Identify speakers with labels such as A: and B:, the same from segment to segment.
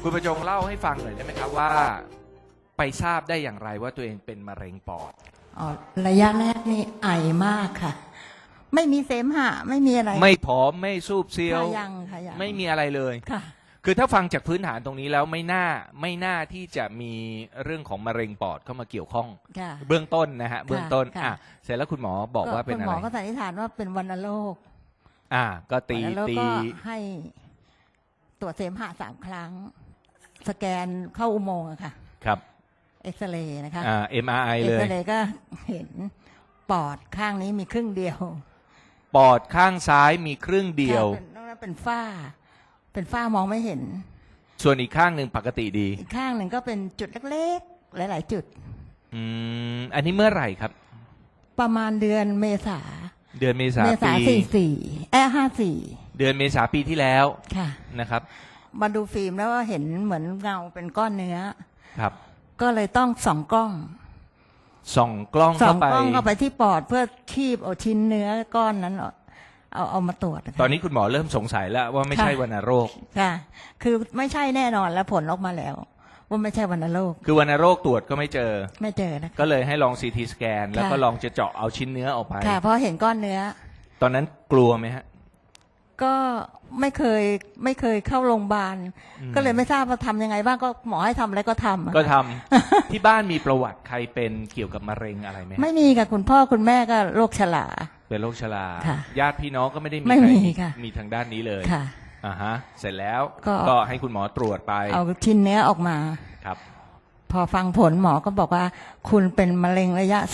A: คุณประจงเล่าให้ฟังหน่อยได้ไหมครับว่าไปทราบได้อย่างไรว่าตัวเองเป็นมะเร็งปอด
B: อ๋อระยะแรกนี่ไอมากค่ะไม่มีเสมหะไม่มีอะไร
A: ไม่ผอมไม่ซูบเซียว
B: ยังค่ะยัง
A: ไม่มีอะไรเลย
B: ค่ะ
A: คือถ้าฟังจากพื้นฐานตรงนี้แล้วไม่น่าที่จะมีเรื่องของมะเร็งปอดเข้ามาเกี่ยวข้องเบื้องต้นนะฮะเบื้องต้นเสร็จแล้วคุณหมอบอกว่าเป็นอะไร
B: คุณหมอก็สันนิษฐานว่าเป็นวัณโรค
A: ก็ตี
B: ก็ให้ตรวจเสมหะ3 ครั้งสแกนเข้าอุโมงค์อะค่ะ
A: ครับ
B: เอ็กซเรย์นะคะ
A: MRI เลย
B: เอ็กซเรย์ก็เห็นปอดข้างนี้มีครึ่งเดียว
A: ปอดข้างซ้ายมีครึ่งเดียวน
B: อกนั้นเป็นฝ้ามองไม่เห็น
A: ส่วนอีกข้างหนึ่งปกติดี
B: อีกข้างหนึ่งก็เป็นจุดเล็กๆหลายๆจุด
A: อันนี้เมื่อไหร่ครับ
B: ประมาณเดือนเมษา
A: ปี
B: 54เ
A: ดือนเมษาปีที่แล้ว
B: ค่ะ
A: นะครับ
B: มาดูฟิล์มแล้วว่าเห็นเหมือนเงาเป็นก้อนเนื้อ
A: ครับ
B: ก็เลยต้องส่องกล้องเข้าไปที่ปอดเพื่อคีบเอาชิ้นเนื้อก้อนนั้นเอามาตรวจ
A: ตอนนี้คุณหมอเริ่มสงสัยแล้วว่าไม่ใช่วัณโรค
B: ค่ะคือไม่ใช่แน่นอนแล้วผลออกมาแล้วว่าไม่ใช่วัณโรค
A: คือวัณโรคตรวจก็ไม่เจอ
B: นะ
A: ก็เลยให้ลอง CT สแกนแล้วก็ลองจะเจาะเอาชิ้นเนื้อออกไป
B: ค่ะเพราะเห็นก้อนเนื้อ
A: ตอนนั้นกลัวไหมฮะ
B: ก็ไม่เคยเข้าโรงพยาบาลก็เลยไม่ทราบว่าทำยังไงบ้างก็หมอให้ทำอะไรก็ท
A: ำ ที่บ้านมีประวัติใครเป็นเกี่ยวกับมะเร็งอะไรไหม
B: ไม่มีค่ะคุณพ่อคุณแม่ก็โรคชรา
A: เป็นโรคชราญาติพี่น้องก็ไม่ได้มีใครมีทางด้านนี้เลย
B: ค่ะ
A: เสร็จแล้วก็ให้คุณหมอตรวจไป
B: เอาชิ้นเนื้อออกมา
A: ครับ
B: พอฟังผลหมอก็บอกว่าคุณเป็นมะเร็งระยะ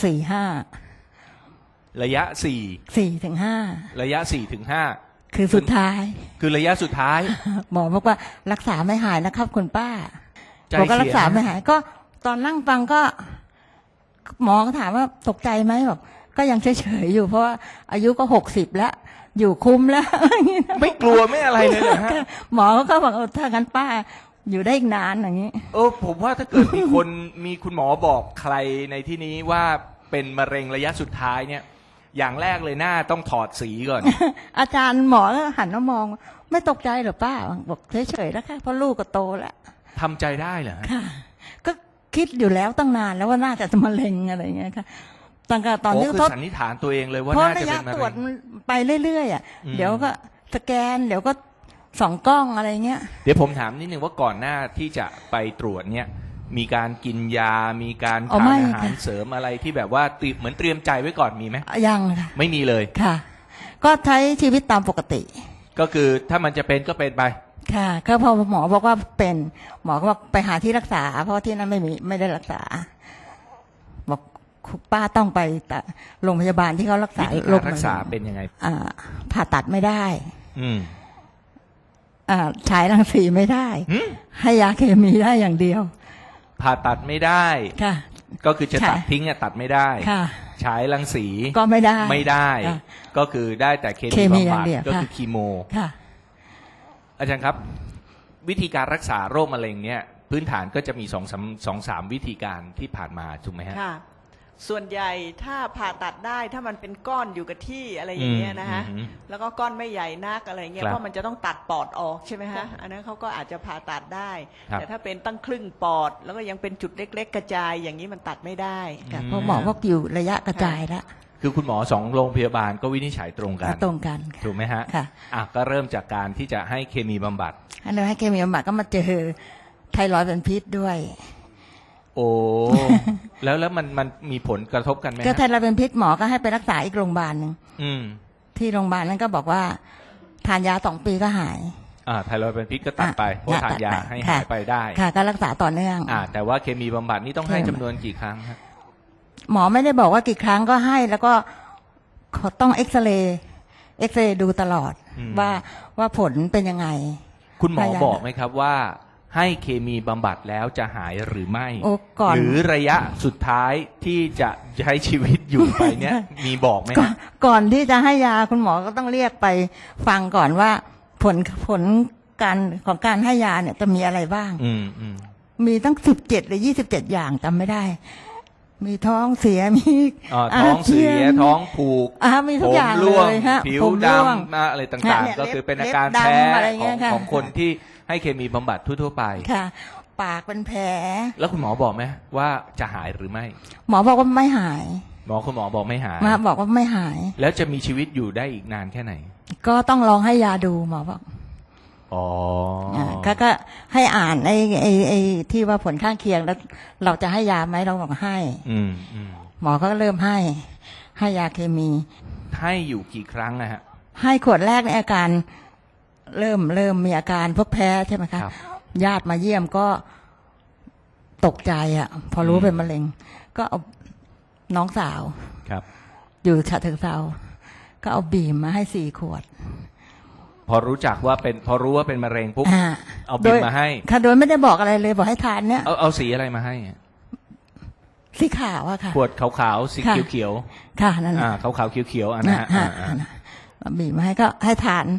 B: 4-5
A: ระยะ
B: 4-5
A: ระยะ4-5
B: คือสุดท้าย
A: คือระยะสุดท้าย
B: หมอบอกว่ารักษาไม่หายนะครับคุณป้าบอกก็รักษาไม่หายก็ตอนนั่งฟังก็หมอก็ถามว่าตกใจไหมบอกก็ยังเฉยๆอยู่เพราะว่าอายุก็60แล้วอยู่คุ้มแล้ว
A: ไม่กลัวไม่อะไรเลยเหรอฮะ
B: หมอก็บอกถ้างั้นป้าอยู่ได้อีกนานอย่างนี้
A: ผมว่าถ้าเกิดมีคุณหมอบอกใครในที่นี้ว่าเป็นมะเร็งระยะสุดท้ายเนี่ยอย่างแรกเลยหน้าต้องถอดสีก่อน
B: อาจารย์หมอก็หันมามองไม่ตกใจหรอป้าบอกเฉยๆแล้วค่ะเพราะลูกก็โตแล้ว
A: ทำใจได้เหรอ
B: ค่ะก็คิดอยู่แล้วตั้งนานแล้วว่าน่าจะมะเร็งอะไรอย่างเงี้ยค่ะตั้งแต่ตอนที่
A: เขาสันนิษฐานตัวเองเลยว่าน่าจะเป็นมะเร็ง
B: เพราะระยะตรวจไปเรื่อยๆเดี๋ยวก็สแกนเดี๋ยวก็ส่องกล้องอะไรเงี้ย
A: เดี๋ยวผมถามนิดนึงว่าก่อนหน้าที่จะไปตรวจเนี่ยมีการกินยามีการทานอาหารเสริมอะไรที่แบบว่าเหมือนเตรียมใจไว้ก่อนมีไหม
B: ยังค่ะ
A: ไม่มีเลย
B: ค่ะก็ใช้ชีวิตตามปกติ
A: ก็คือถ้ามันจะเป็นก็เป็นไป
B: ค่ะก็พอหมอบอกว่าเป็นหมอก็บอกไปหาที่รักษาเพราะที่นั่นไม่ได้รักษาบอกป้าต้องไปโรงพยาบาลที่เขารักษา
A: โรครักษาเป็นยังไง
B: ผ่าตัดไม่ได้ฉายรังสีไม่ได้ให้ยาเคมีได้อย่างเดียว
A: ผ่าตัดไม่ได้
B: ค่ะ
A: ก็คือจะตัดทิ้งตัดไม่ได้
B: ค่ะ
A: ฉายรังสี
B: ก็ไม่
A: ได้ก็คือได้แต่เคมีบำบัดก็คือคีโม
B: ค่ะ
A: อาจารย์ครับวิธีการรักษาโรคมะเร็งเนี่ยพื้นฐานก็จะมี2-3 วิธีการที่ผ่านมาถูกไหมฮะ
C: ค่ะส่วนใหญ่ถ้าผ่าตัดได้ถ้ามันเป็นก้อนอยู่กับที่อะไรอย่างเงี้ยนะฮะแล้วก็ก้อนไม่ใหญ่นักอะไรเงี้ยเพราะมันจะต้องตัดปอดออกใช่ไหมฮะอันนั้นเขาก็อาจจะผ่าตัดได้แต่ถ้าเป็นตั้งครึ่งปอดแล้วก็ยังเป็นจุดเล็กๆกระจายอย่างนี้มันตัดไม่ได้
B: เพราะหมอพวกอยู่ระยะกระจายแล้ว
A: คือคุณหมอ2โรงพยาบาลก็วินิจฉัยตรงกันถูกไหมฮะ
B: ค่ะ
A: ก็เริ่มจากการที่จะให้เคมีบำบัด
B: ให้เคมีบำบัดก็มาเจอไทรอยด์เป็นพิษด้วย
A: โอ้แล้วมันมีผลกระทบกันไหม
B: ก็ไทรอยด์เป็นพิษหมอก็ให้ไปรักษาอีกโรงพยาบาลนึงที่โรงพยาบาลนั้นก็บอกว่าทานยา2 ปีก็หาย
A: ไทรอยด์เป็นพิษก็ตัดไปเพราะทานยาให้หายไปได้
B: ค่ะก็รักษาต่อเนื่อง
A: แต่ว่าเคมีบำบัดนี่ต้องให้จำนวนกี่ครั้งครับ
B: หมอไม่ได้บอกว่ากี่ครั้งก็ให้แล้วก็ต้องเอ็กซเรย์ดูตลอดว่าผลเป็นยังไง
A: คุณหมอบอกไหมครับว่าให้เคมีบำบัดแล้วจะหายหรือไม่หรือระยะสุดท้ายที่จะใช้ชีวิตอยู่ไปเนี้ยมีบอกไหม
B: ก่อนที่จะให้ยาคุณหมอก็ต้องเรียกไปฟังก่อนว่าผลของการให้ยาเนี่ยจะมีอะไรบ้างมีตั้ง17 หรือ 27อย่างจำไม่ได้มีท้องเสียมี
A: ท้องเสียท้องผูก
B: มีทุกอย่างเลยฮะ
A: ผิวดำอะไรต่างๆก็คือเป็นอาการแพ้ของคนที่ให้เคมีบำบัดทั่วๆไป
B: ค่ะ ปากเป็นแผล
A: แล้วคุณหมอบอกไหมว่าจะหายหรือไม่
B: หมอบอกว่าไม่หาย
A: คุณหมอบอกไม่หาย
B: มาบอกว่าไม่หาย
A: แล้วจะมีชีวิตอยู่ได้อีกนานแค่ไหน
B: ก็ต้องลองให้ยาดูหมอบอก
A: อ๋อ
B: ก็ให้อ่านไอ้ที่ว่าผลข้างเคียงแล้ว เราจะให้ยาไหมเราบอกให้ หมอก็เริ่มให้ยาเคมี
A: ให้อยู่กี่ครั้งนะฮะ
B: ให้ขวดแรกในอาการเริ่มมีอาการพวกแพ้ใช่ไหมคะ
A: ครับ
B: ญาติมาเยี่ยมก็ตกใจอ่ะ พอรู้เป็นมะเร็ง ก็เอาน้องสาว
A: ครับ
B: อยู่ฉะเชิงเทราก็เอาบีมมาให้4 ขวด
A: พอรู้ว่าเป็นมะเร็งปุ๊บเอาบิมมาให้
B: ค่ะโดยไม่ได้บอกอะไรเลยบอกให้ทานเนี่ย
A: เอาสีอะไรมาให้
B: สีขาวอะค่ะ
A: ขวดขาวๆสีเขียว
B: ค่ะนั่น
A: ๆขาวๆเขียวๆนะฮะ
B: บีบมาให้ก็ให้ทาน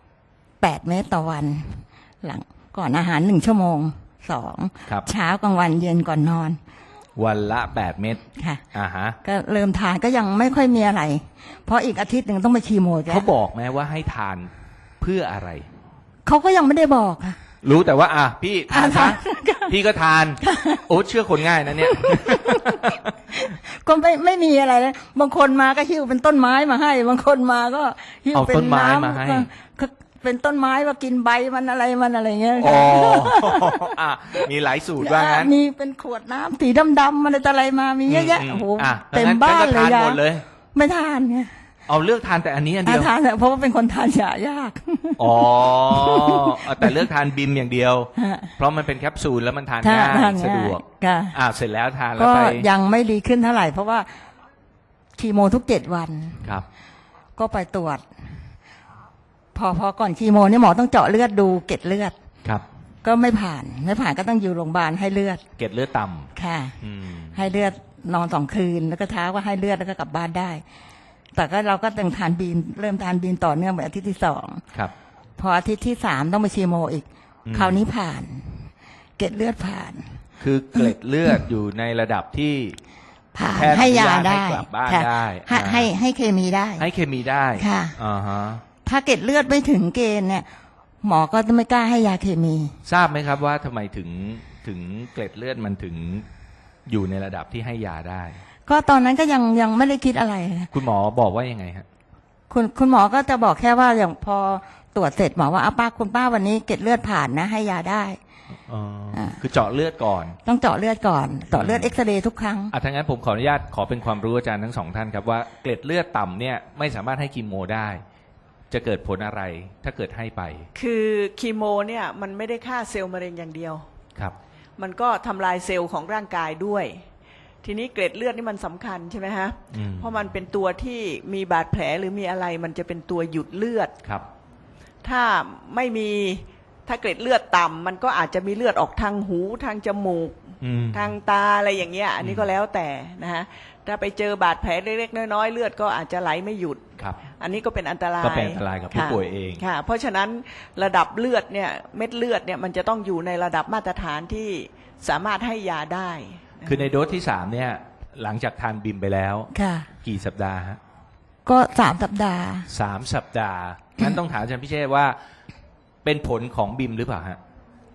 B: 8 เม็ดต่อวัน หลังก่อนอาหาร1 ชั่วโมง
A: ครับ
B: 2 เช้ากลางวันเย็นก่อนนอน
A: วันละ8 เม็ด
B: ค่ะ
A: ฮะ
B: ก็เริ่มทานก็ยังไม่ค่อยมีอะไร เพราะอีกอาทิตย์หนึ่งต้องไปคีโมแก
A: เขาบอกไหมว่าให้ทานเพื่ออะไร
B: เขาก็ยังไม่ได้บอกค่ะ
A: รู้แต่ว่าพี่ทานซะ
B: ทาน
A: พี่ก็ทาน โอ้เชื่อคนง่ายนะเนี่ย
B: ก็ไม่มีอะไรเลยบางคนมาก็หิ้วเป็นต้นไม้มาให้ บางคนมาก็หิ้ว
A: เอา
B: เป็น
A: ต้นไม้
B: น้ำ
A: มาให้
B: ก็เป็นต้นไม้ว่ากินใบมันอะไรเงี้ย
A: อ๋อมีหลายสูตรว่างั้น
B: มีเป็นขวดน้ำสีดำๆมันอะไรมามีเยอะแยะโอ้โห
A: เต็
B: เต็
A: ม
B: ม
A: บ้า
B: บ้าน น
A: เล
B: เลย ย
A: ทานหมดเลย
B: ไม่ทานไง
A: เอาเลือกทานแต่อันนี้อันเดียว
B: ทานเถอะเพราะว่าเป็นคนทานยายาก
A: อ๋อแต่เลือกทานบิมอย่างเดียว
B: ฮะ
A: เพราะมันเป็นแคปซูลแล้วมันทาน
B: ทาน
A: ง่าย
B: ทาน
A: สะดวก
B: ค่ะ
A: เสร็จแล้วทานแล้ว
B: ก็
A: ไป
B: ยังไม่ดีขึ้นเท่าไหร่ เพราะว่าคีโมทุก7 วัน
A: ครับ
B: ก็ไปตรวจ พอก่อนคีโมเนี่ยหมอต้องเจาะเลือดดูเกล็ดเลือด
A: ครับ
B: ก็ไม่ผ่านก็ต้องอยู่โรงพยาบาลให้เลือด
A: เกล็ดเลือดต่
B: ค่ะ
A: ำอืม
B: ให้เลือดนอน2 คืน แล้วก็เช้าก็ให้เลือดแล้วก็กลับบ้านได้ แต่ก็เราก็ต้องทานบีนเริ่มทานบีนต่อเนื่องไปอาทิตย์ที่2
A: ครับ
B: พออาทิตย์ที่3ต้องไปคีโมอีก คราวนี้ผ่าน เกล็ดเลือดผ่าน
A: คือเกล็ดเลือดอยู่ในระดับที่
B: ผ่าน
A: แพทย์
B: ให้ยา
A: อนุญาต
B: ได้
A: ให้กลับบ้าน
B: ค่ะ
A: ได้
B: ให้เคมีได้
A: ให้เคมีได้
B: ค่ะ
A: อ่าฮะ
B: ถ้าเกล็ดเลือดไม่ถึงเกณฑ์เนี่ย หมอก็จะไม่กล้าให้ยาเคมี
A: ทราบไหมครับว่าทำไมถึงเกล็ดเลือดมันถึงอยู่ในระดับที่ให้ยาได้
B: ก็ตอนนั้นก็ยังไม่ได้คิดอะไร
A: คุณหมอบอกว่ายังไงฮะ
B: คุณหมอก็จะบอกแค่ว่าอย่างพอตรวจเสร็จหมอว่าคุณป้าวันนี้เกล็ดเลือดผ่านนะ ให้ยาได้
A: คือเจาะเลือดก่อน
B: ต้องเจาะเลือดก่อนเจาะเลือดเอ็กซเรย์ทุกครั้ง
A: ถ้างั้นผมขออนุญาตขอเป็นความรู้อาจารย์ทั้งสองท่านครับว่าเกล็ดเลือดต่ำเนี่ยไม่สามารถให้คีโมได้ จะเกิดผลอะไรถ้าเกิดให้ไป
C: คือคีโมเนี่ยมันไม่ได้ฆ่าเซลล์มะเร็งอย่างเดียว
A: ครับ
C: มันก็ทำลายเซลล์ของร่างกายด้วย ทีนี้เกล็ดเลือดนี่มันสำคัญใช่ไหมฮะ เพราะมันเป็นตัวที่มีบาดแผลหรือมีอะไรมันจะเป็นตัวหยุดเลือด
A: ครับ
C: ถ้าไม่มีถ้าเกล็ดเลือดต่ำมันก็อาจจะมีเลือดออกทางหูทางจมูก ทางตาอะไรอย่างเงี้ย อันนี้ก็แล้วแต่นะฮะ ถ้าไปเจอบาดแผลเล็กๆน้อยๆเลือดก็อาจจะไหลไม่หยุด
A: ครับ
C: อันนี้ก็เป็นอันตราย
A: ก็เป็นอันตรายกับผู้ป่วยเอง
C: ค่ะ เพราะฉะนั้นระดับเลือดเนี่ยเม็ดเลือดเนี่ยมันจะต้องอยู่ในระดับมาตรฐานที่สามารถให้ยาได้
A: คือในโดสที่3เนี่ยหลังจากทานบิมไปแล้ว
B: ค่ะ
A: กี่สัปดาห์ฮะ
B: ก็3 สัปดาห์
A: 3 สัปดาห์งั้นต้องถามอาจารย์พิเชษว่าเป็นผลของบิมหรือเปล่าฮะ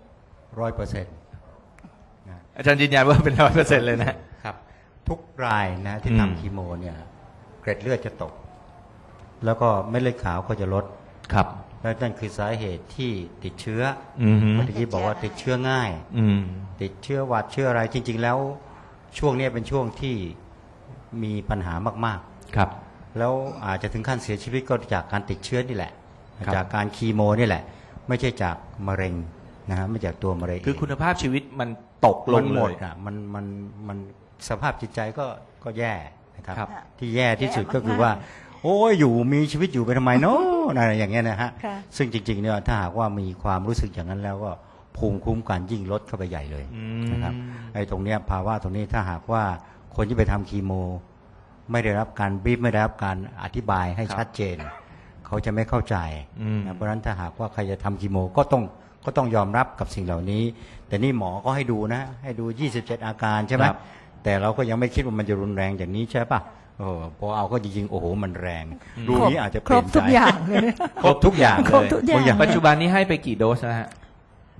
D: 100%
A: อาจารย์ยืนยันว่าเป็น100%เลยนะ
D: ครับทุกรายนะที่ทำคีโมเนี่ยเกร็ดเลือดจะตก แล้วก็เม็ดเลือดขาวก็จะลด
A: ครับ
D: และนั่นคือสาเหตุที่ติดเชื้อ
A: อืม
D: เมื่อกี้บอกว่าติดเชื้อง่าย
A: อืม
D: ติดเชื้อหวัดเชื้ออะไรจริง ๆ แล้วช่วงนี้เป็นช่วงที่มีปัญหามาก
A: ครับ
D: ๆ แล้วอาจจะถึงขั้นเสียชีวิตก็จากการติดเชื้อนี่แหละ
A: ครับ
D: จากการคีโมนี่แหละ ไม่ใช่จากมะเร็งนะฮะไม่จากตัวมะเร็ง
A: คือคุณภาพชีวิตมันตกล
D: มั
A: ง
D: นห
A: เล
D: มด
A: ย
D: อ่ะมันสภาพจิตใจก็แย่นะครับ
A: ครับ
D: ที่แย่ที่สุด
B: แย่
D: ก็คือ
B: มากๆ
D: ว่า โอ้ยอยู่มีชีวิตอยู่ไปทำไมเนาะอะไรอย่างเงี้ยนะฮะ
B: ค่ะ
D: ซึ่งจริงๆเนี่ยถ้าหากว่ามีความรู้สึกอย่างนั้นแล้วก็ภูมิคุ้มกันยิ่งลดเข้าไปใหญ่เลยนะครับไอ้ตรงเนี้ยภาวะตรงนี้ถ้าหากว่าคนที่ไปทำคีโม ไม่ได้รับการบรีฟไม่ได้รับการอธิบายให้ชัดเจน เขาจะไม่เข้าใจนะเพราะฉะนั้นถ้าหากว่าใครจะทำคีโมก็ต้องยอมรับกับสิ่งเหล่านี้ แต่นี่หมอก็ให้ดูนะ ให้ดู 27 อาการใช่ไหม
A: ครับ
D: แต่เราก็ยังไม่คิดว่ามันจะรุนแรงอย่างนี้ใช่ปะพอเอาก็จริงๆโอ้โหมันแรงดูนี้อาจจะเป
B: คร
D: ลี่
B: บ
D: ยนใจ
B: ทุกอย่างเลย
D: ครบทุกอย่าง
B: ครบ
D: เลย
B: ทุกอย่าง
D: บางอย่าง
A: ปัจจุบันนี้ให้ไปกี่โดสนะฮะ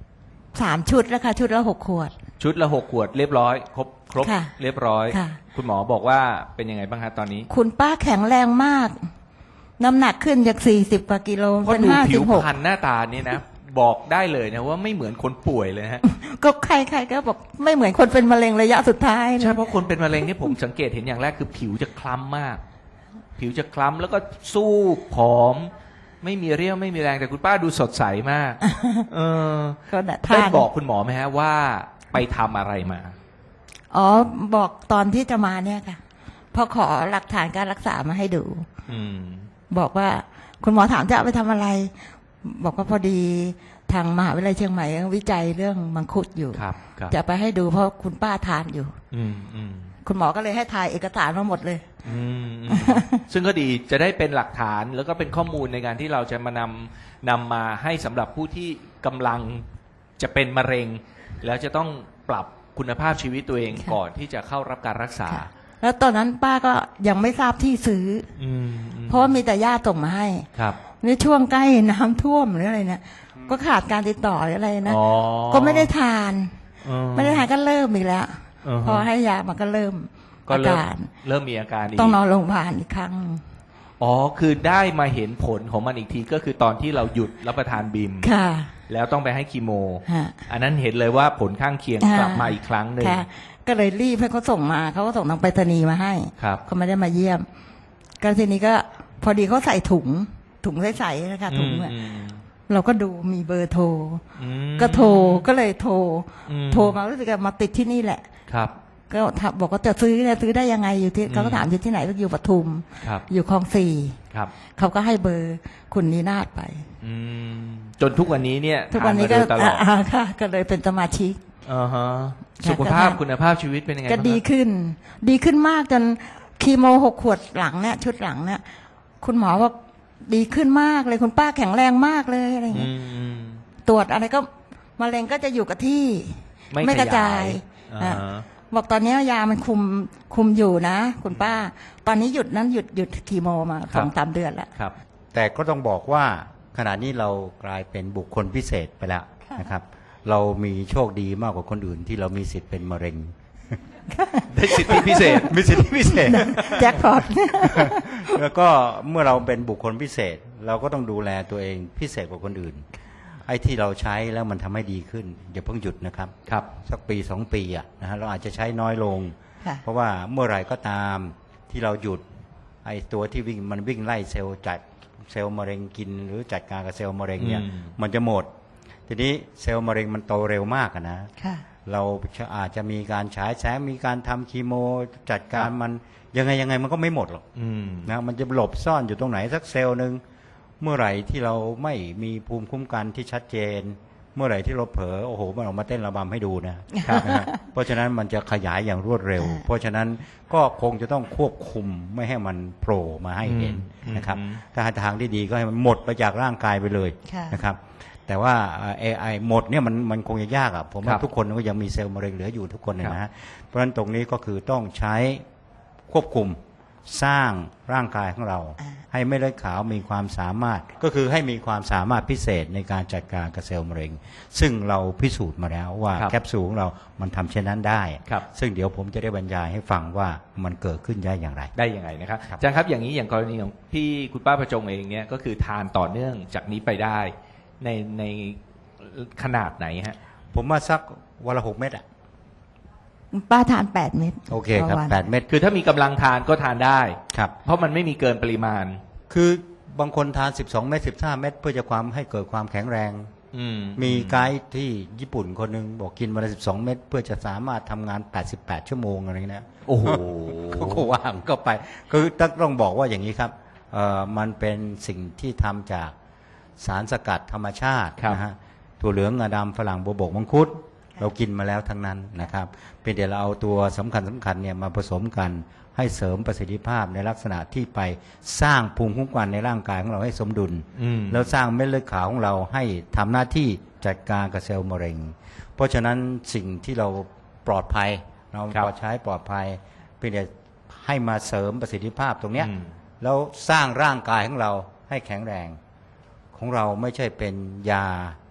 B: 3 ชุดแล้วค่ะชุดละ6 ขวด
A: ชุดละ6 ขวดเรียบร้อยครบ
B: ค่ะ
A: เรียบร้อย
B: ค่ะ
A: คุณหมอบอกว่าเป็นยังไงบ้างคะตอนนี้
B: คุณป้าแข็งแรงมาก น้ำหนักขึ้นจาก40 กว่ากิโล
A: เพราะ
B: เป็น
A: ดูผิวพรร
B: 56
A: ณหน้าตานี่นะ บอกได้เลยนะว่าไม่เหมือนคนป่วยเลยฮะ
B: ก็ใครๆก็บอกไม่เหมือนคนเป็นมะเร็งระยะสุดท้ายเล
A: ใช่
B: ย
A: เพราะคนเป็นมะเร็งที่ผมสังเกตเห็นอย่างแรกคือผิวจะคล้ำมาก ผิวจะคล้ำแล้วก็สู้ผอม ไม่มีเรี่ยวไม่มีแรงแต่คุณป้าดูสดใสมาก เออ
B: ก็น่ะ
A: ได้
B: ทาน
A: บอกคุณหมอไหมฮะว่าไปทำอะไรมา
B: อ๋อบอกตอนที่จะมาเนี่ยค่ะพอขอหลักฐานการรักษามาให้ดู
A: อืม
B: บอกว่าคุณหมอถามจะเอาไปทำอะไร บอกว่าพอดีทางมหาวิทยาลัยเชียงใหม่วิจัยเรื่องมังคุดอยู่
A: ครับครับ
B: จะไปให้ดูเพราะคุณป้าทานอยู่
A: อืมอืม
B: คุณหมอก็เลยให้ถ่ายเอกสารมาหมดเลย
A: อืมอืมซึ่งก็ดีจะได้เป็นหลักฐานแล้วก็เป็นข้อมูลในการที่เราจะมานำมาให้สำหรับผู้ที่กำลังจะเป็นมะเร็ง แล้วจะต้องปรับคุณภาพชีวิตตัวเอง
B: ค่ะ
A: ก่อนที่จะเข้ารับการรักษา
B: ค่ะแล้วตอนนั้นป้าก็ยังไม่ทราบที่ซื้อ
A: อืมอืม
B: เพราะว่ามีแต่ญาติส่งมาให้
A: ครับ
B: ในช่วงใกล้น้ำท่วมหรืออะไรเนี่ยก็ขาดการติดต่อหรืออะไรนะ
A: อ๋อ
B: ก็ไม่ได้ทาน
A: อืม
B: ไม่ได้ทานก็เริ่มอีกแล้ว
A: อือฮะ
B: พอให้ยามันก็เริ่ม
A: ก็
B: อา
A: เริ่ม
B: การ
A: เริ่มมีอาการอีก
B: ต้องนอนโรงพยาบาลอีกครั้ง
A: อ๋อคือได้มาเห็นผลของมันอีกทีก็คือตอนที่เราหยุดรับประทานบิม
B: ค่ะ
A: แล้วต้องไปให้คีโม
B: ฮะ
A: อันนั้นเห็นเลยว่าผลข้างเคียง
B: อ่าก
A: ลับมาอีกครั้งหนึ่ง
B: ค่ะ ก็เลยรีบให้เขาส่งมาเขาก็ส่งทางไปรษณีย์มาให้
A: ครับ
B: เขาไม่ได้มาเยี่ยมก็ทีนี้ก็พอดีเขาใส่ถุงใสๆนะคะถุงอะ
A: อืม
B: เราก็ดูมีเบอร์โทร
A: อืม
B: ก็โทรก็เลยโทร
A: อืม
B: โทรมารู้สึกว่ามาติดที่นี่แหละ
A: ครับ
B: ก็บอกว่าจะซื้อได้ยังไงอยู่ที่เขาก็ถามอยู่ที่ไหนก็อยู่ปทุม
A: ครับ
B: อยู่คลองสี่
A: ครับ
B: เขาก็ให้เบอร์คุณนีนาฏไป
A: อืมจนทุกวันนี้เนี่ย
B: ทุกวันนี้ก็
A: ทามาโดยตลอด
B: ค่ะ ก็เลยเป็นสมาชิก
A: อ่าฮะ
B: ค่ะ
A: สุขภาพ
B: ก็ทาน
A: คุณภาพชีวิตเป็นยังไง
B: ก็
A: บ้าง
B: ดี
A: ครับ
B: ขึ้น ดีขึ้นมากจนคีโม6 ขวดหลังเนี่ยชุดหลังเนี่ยคุณหมอว่าดีขึ้นมากเลยคุณป้าแข็งแรงมากเลยอะไรอย่าง
A: อื
B: เงี้ย
A: มอืม
B: ตรวจอะไรก็มะเร็งก็จะอยู่กับที่
A: ไม่
B: กระจาย
A: อ่า
B: อ่ะ
A: ฮะ
B: บอกตอนนี้ยามันคุมอยู่นะ คุณป้า ตอนนี้หยุดคีโมมา2-3 เดือนแล้ว
A: ครับ
D: แต่ก็ต้องบอกว่าขณะนี้เรากลายเป็นบุคคลพิเศษไปแล้วนะครับ เรามีโชคดีมากกว่าคนอื่นที่เรามีสิทธิ์เป็นมะเร็ง
A: ได้สิทธิพิเศษ
D: มีสิทธิพิเศษ
B: แจ็คพอต
D: แล้วก็เมื่อเราเป็นบุคคลพิเศษ เราก็ต้องดูแลตัวเองพิเศษกว่าคนอื่น ไอ้ที่เราใช้แล้วมันทำให้ดีขึ้นอย่าเพิ่งหยุดนะครับ
A: ครับ
D: สักปี2 ปีนะฮะเราอาจจะใช้น้อยลง
B: ค่ะ
D: เพราะว่าเมื่อไหร่ก็ตามที่เราหยุดไอ้ตัวที่วิ่งไล่เซลล์จัดเซลล์มะเร็งกิน หรือจัดการกับเซลล์มะเร็งเนี่ย
A: อืม
D: มันจะหมด ทีนี้เซลล์มะเร็งมันโตเร็วมากอะนะ
B: ค่ะ
D: เราอาจจะมีการฉายแสงมีการทำคีโมจัดการมันยังไงมันก็ไม่หมดหรอก
A: อืม
D: นะมันจะหลบซ่อนอยู่ตรงไหนสักเซลล์หนึ่งเมื่อไหร่ที่เราไม่มีภูมิคุ้มกันที่ชัดเจน เมื่อไหร่ที่เราเผลอโอ้โหมันออกมาเต้นระบำให้ดูนะครับ นะฮะเพราะฉะนั้นมันจะขยายอย่างรวดเร็ว เพราะฉะนั้นก็คงจะต้องควบคุมไม่ให้มันโผล่มาให้เห็นนะครับถ้าหาทางที่ดีก็ให้มันหมดไปจากร่างกายไปเลย
B: ค่ะ
D: นะครับแต่ว่าไอหมดเนี่ยมันคงจะยากอ่ะผม
A: ครั
D: ว่า
A: บ
D: ทุกคนก็ยังมีเซลล์มะเร็งเหลืออยู่ทุกคน
A: ครับ
D: นะฮะเพราะฉะนั้นตรงนี้ก็คือต้องใช้ควบคุมสร้างร่างกายของเรา ให้เม็ดเลือดขาวมีความสามารถก็คือให้มีความสามารถพิเศษในการจัดการกับเซลล์มะเร็ง ซึ่งเราพิสูจน์มาแล้วว่า
A: ครับ
D: แคปซูลของเรามันทำเช่นนั้นได้
A: ครับ
D: ซึ่งเดี๋ยวผมจะได้บรรยายให้ฟังว่ามันเกิดขึ้นได้อย่างไร
A: ได้ยังไงนะครับ
D: ครับ
A: อาจารย์ครับอย่างนี้อย่างกรณีของพี่คุณป้าประจงเองเนี่ยก็คือทานต่อเนื่องจากนี้ไปได้ในขนาดไหนฮะ
D: ผมว่าสักวันละ6 เม็ดอ่ะ
B: ป้าทาน 8 เม็ด
D: โอเคครับ
B: ต่อวัน
D: 8 เม็ด
A: คือถ้ามีกำลังทานก็ทานได้
D: ครับ
A: เพราะมันไม่มีเกินปริมาณ
D: คือบางคนทาน12 เม็ด15 เม็ดเพื่อจะความให้เกิดความแข็งแรง
A: อืม
D: มีไกด์ที่ญี่ปุ่นคนหนึ่งบอกกินวันละ12 เม็ดเพื่อจะสามารถทำงาน88 ชั่วโมงอะไรเงี้ย
A: โอ้โห
D: เขาก็ว่างก็ไปคือต้องบอกว่าอย่างนี้ครับมันเป็นสิ่งที่ทำจากสารสกัดธรรมชาติ
A: ครับ
D: นะฮะถั่วเหลืองงาดำฝรั่งบัวบกมังคุดเรากินมาแล้วทั้งนั้นนะครับเป็นเดี๋ยวเราเอาตัวสำคัญเนี่ยมาผสมกันให้เสริมประสิทธิภาพในลักษณะที่ไปสร้างภูมิคุ้มกันในร่างกายของเราให้สมดุล
A: อืม
D: แล้วสร้างเม็ดเลือดขาวของเราให้ทำหน้าที่จัดการกับเซลล์มะเร็ง เพราะฉะนั้นสิ่งที่เราปลอดภัยเรา
A: ครับ
D: พอใช้ปลอดภัยเพียงแต่ให้มาเสริมประสิทธิภาพตรงเนี้ย
A: อืม
D: แล้วสร้างร่างกายของเราให้แข็งแรงของเราไม่ใช่เป็นยา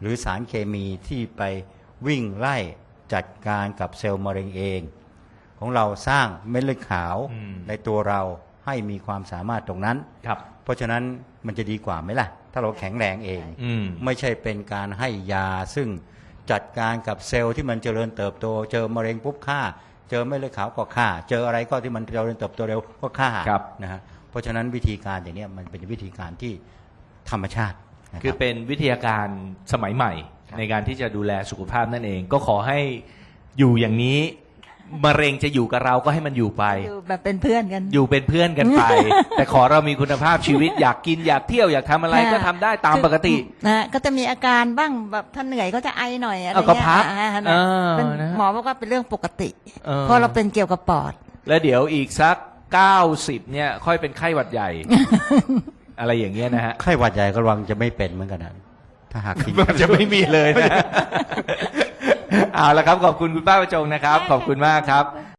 D: หรือสารเคมีที่ไปวิ่งไล่จัดการกับเซลล์มะเร็งเอง ของเราสร้างเม็ดเลือดขาวในตัวเราให้มีความสามารถตรงนั้น
A: ครับ
D: เพราะฉะนั้นมันจะดีกว่าไหมล่ะ ถ้าเราแข็งแรงเอง ไม่ใช่เป็นการให้ยาซึ่งจัดการกับเซลล์ที่มันเจริญเติบโต เจอมะเร็งปุ๊บฆ่า เจอเม็ดเลือดขาวก็ฆ่า เจออะไรก็ที่มันเจริญเติบโตเร็วก็ฆ่า
A: ครับ
D: นะฮะเพราะฉะนั้นวิธีการอย่างนี้มันเป็นวิธีการที่ธรรมชาตินะ
A: คือ
D: รับ
A: เป็นวิทยาการสมัยใหม่
D: ครับ
A: ในการที่จะดูแลสุขภาพนั่นเอง ก็ขอให้อยู่อย่างนี้มะเร็งจะอยู่กับเราก็ให้มันอยู่ไป
B: อยู่แบบเป็นเพื่อนกัน
A: อยู่เป็นเพื่อนกันไป แต่ขอเรามีคุณภาพชีวิต อยากกินอยากเที่ยวอยากทำอะไรก็ทำได้ตามปกติ
B: นะก็จะมีอาการบ้างแบบถ้าเหนื่อยก็จะไอหน่อยอะไร
A: เอาก็
B: เงี้ย
A: พัก
B: นะ
A: นะ
B: หมอบอกว่าเป็นเรื่องปกติ
A: เออ
B: เพราะเราเป็นเกี่ยวกับปอด
A: แล้วเดี๋ยวอีกสัก90เนี่ยค่อยเป็นไข้หวัดใหญ่ อะไรอย่างเงี้ยนะฮะ
D: ไข้หวัดใหญ่ก็ระวังจะไม่เป็นเหมือนกันนะถ้าหากกิน
A: มันจะไม่มีเลยนะ เอาละครับขอบคุณคุณป้าประจงนะครับ ขอบคุณมากครับ